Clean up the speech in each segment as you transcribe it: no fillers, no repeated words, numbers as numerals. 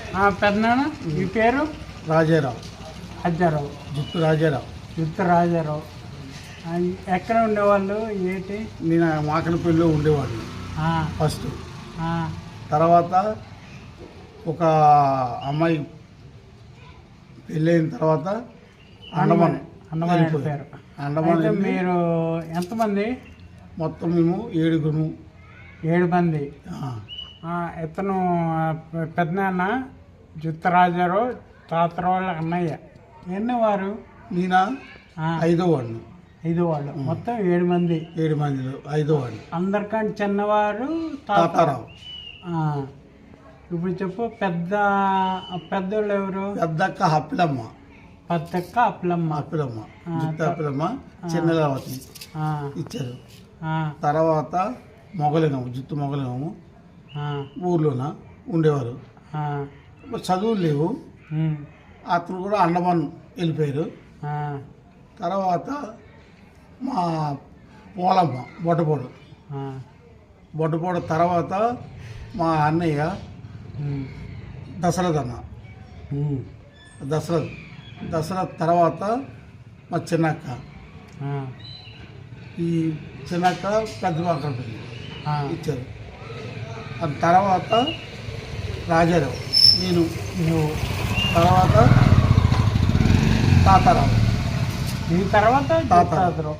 పెద్దనాన్న మీ పేరు? రాజారావు. రాజారావు. జుత్తు రాజారావు. ఎక్కడ ఉండేవాళ్ళు ఏంటి? నేను మాకనపల్లిలో ఉండేవాడిని ఫస్ట్. తర్వాత ఒక అమ్మాయి పెళ్ళైన తర్వాత అండమాన్ వెళ్ళిపోయారు. అండమాన్ మీరు ఎంతమంది? మొత్తం మేము 7 మంది. ఇతను పెద్దనాన్న జుత్తరాజారావు, తాతరావు వాళ్ళ అన్నయ్య. ఎన్ని వారు? నేనా 5వ వాడిని. 5 వాళ్ళు. మొత్తం 7 మంది. 7 మందిలో 5వ వాడిని. అందరికంటే చిన్నవారు తాతారావు. ఇప్పుడు చెప్పు, పెద్దోళ్ళు ఎవరు? పెద్దక్క అప్పిలమ్మ. పెద్దక్క అప్పిలమ్మ. జుత్తు అప్పిలమ్మ చిన్నలవతి ఇచ్చారు. తర్వాత జుత్తు మొగలింగము ఊర్లోన ఉండేవారు. చదువులు లేవు. అతను కూడా అండమాన్ వెళ్ళిపోయారు. తర్వాత మా పోలమ్మ బొడ్డపోడు తర్వాత మా అన్నయ్య దశరథ్ అన్న. దశరథ్ తర్వాత మా చిన్నక్క. ఈ చిన్నక్క పెద్ద మాకనపల్లి ఇచ్చారు. అది తర్వాత రాజారావు, నేను తర్వాత తాతారావు. ఈ తర్వాత తాతారావు.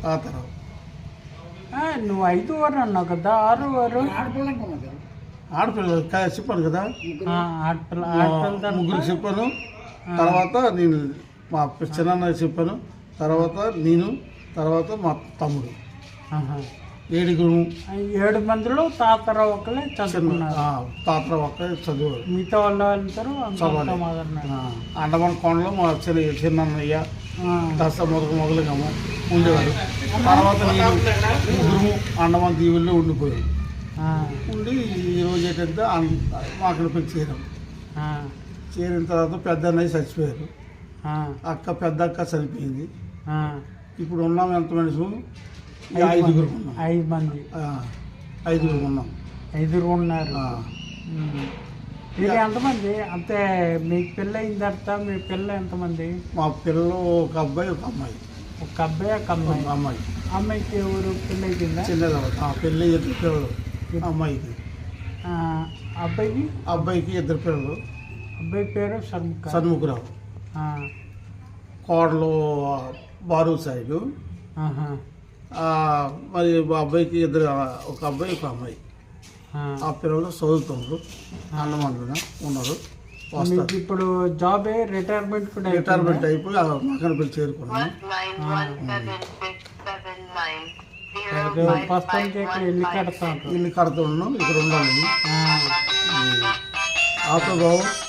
నువ్వు 5 వారు అన్నావు కదా, 6 వారు ఆడపిల్లలు చెప్పాను కదా. ఆడపిల్ల ముగ్గురు చెప్పాను. తర్వాత నేను మా చిన్న చెప్పాను. తర్వాత నేను, తర్వాత మా తమ్ముడు. 7 మందిలో తాతరావు ఒక్కలే చదువుకున్నారు. తాతరావు ఒక్కలే చదువు. మిగతా వాళ్ళందరూ అండమాన్ కొండలో మా చిన్నయ్య దసరా మొదలుగాము ఉండేవారు. తర్వాత నేను ముగ్గురు అండమాన్ దీవుల్లో ఉండిపోయాం. ఉండి ఈరోజు ఏంటంటే మాకనపల్లి చేరిన తర్వాత పెద్ద అన్నయ్య చచ్చిపోయారు. పెద్ద అక్క చనిపోయింది. ఇప్పుడు ఉన్నాం ఎంత మనిషి? 5 ఉన్నాం. 5 మంది. 5 ఉన్నాం. 5 ఉన్నారు. మీరు ఎంతమంది? అంతే. మీకు పెళ్ళి అయిన తర్వాత మీ పిల్ల ఎంతమంది? మా పిల్లలు ఒక అబ్బాయి ఒక అమ్మాయి. ఒక అబ్బాయి ఒక అమ్మాయి. అమ్మాయికి ఎవరు పెళ్ళి అయిపోయిందా? చిన్నది. పెళ్ళి 2 పిల్లలు అమ్మాయికి. అబ్బాయికి 2 పిల్లలు. అబ్బాయి పేరు షణ్ముఖరావు. కోడలు బారు సైడు. మరి అబ్బాయికి ఒక అబ్బాయి ఒక అమ్మాయి. ఆ పిల్లలు చదువుతున్నారు. అండమాన్లోనే ఉన్నారు. ఇప్పుడు జాబ్ రిటైర్మెంట్ అయిపోయి మాకనపల్లి చేరుకున్నాను. ఇల్లు కడుతున్నాను. ఇక్కడ ఉండాలి. ఆటో బాబు